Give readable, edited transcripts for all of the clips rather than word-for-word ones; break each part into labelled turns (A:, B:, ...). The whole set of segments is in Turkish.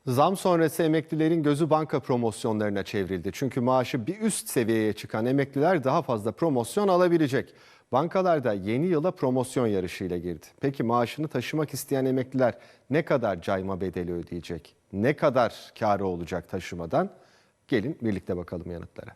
A: Zam sonrası emeklilerin gözü banka promosyonlarına çevrildi. Çünkü maaşı bir üst seviyeye çıkan emekliler daha fazla promosyon alabilecek. Bankalar da yeni yıla promosyon yarışıyla girdi. Peki maaşını taşımak isteyen emekliler ne kadar cayma bedeli ödeyecek? Ne kadar kârı olacak taşımadan? Gelin birlikte bakalım yanıtlara.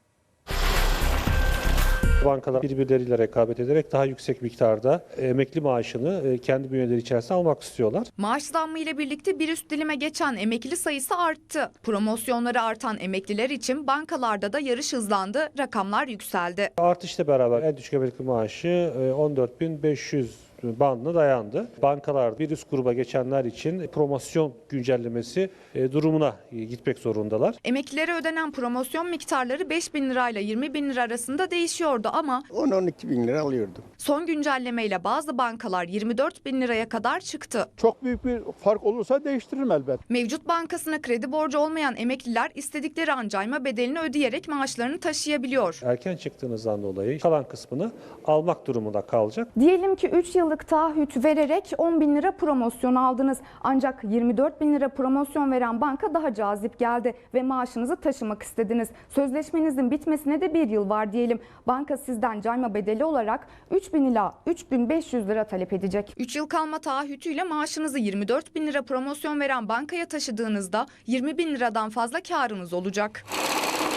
B: Bankalar birbirleriyle rekabet ederek daha yüksek miktarda emekli maaşını kendi bünyeleri içerisinde almak istiyorlar.
C: Maaş zammı ile birlikte bir üst dilime geçen emekli sayısı arttı. Promosyonları artan emekliler için bankalarda da yarış hızlandı, rakamlar yükseldi.
B: Artışla beraber en düşük emekli maaşı 14.500 bandına dayandı. Bankalar bir üst gruba geçenler için promosyon güncellemesi durumuna gitmek zorundalar.
C: Emeklilere ödenen promosyon miktarları 5.000 lirayla 20.000 lira arasında değişiyordu ama
D: 10-12 bin lira alıyordum.
C: son güncellemeyle bazı bankalar 24.000 liraya kadar çıktı.
E: Çok büyük bir fark olursa değiştiririm elbet.
C: Mevcut bankasına kredi borcu olmayan emekliler istedikleri an cayma bedelini ödeyerek maaşlarını taşıyabiliyor.
B: Erken çıktığınızdan dolayı kalan kısmını almak durumunda kalacak.
F: Diyelim ki 3 yıllık taahhüt vererek 10 bin lira promosyon aldınız. Ancak 24 bin lira promosyon veren banka daha cazip geldi ve maaşınızı taşımak istediniz. Sözleşmenizin bitmesine de 1 yıl var diyelim. Banka sizden cayma bedeli olarak 3 bin ila 3.500 lira talep edecek.
C: 3 yıl kalma taahhütüyle maaşınızı 24.000 lira promosyon veren bankaya taşıdığınızda 20.000 liradan fazla karınız olacak.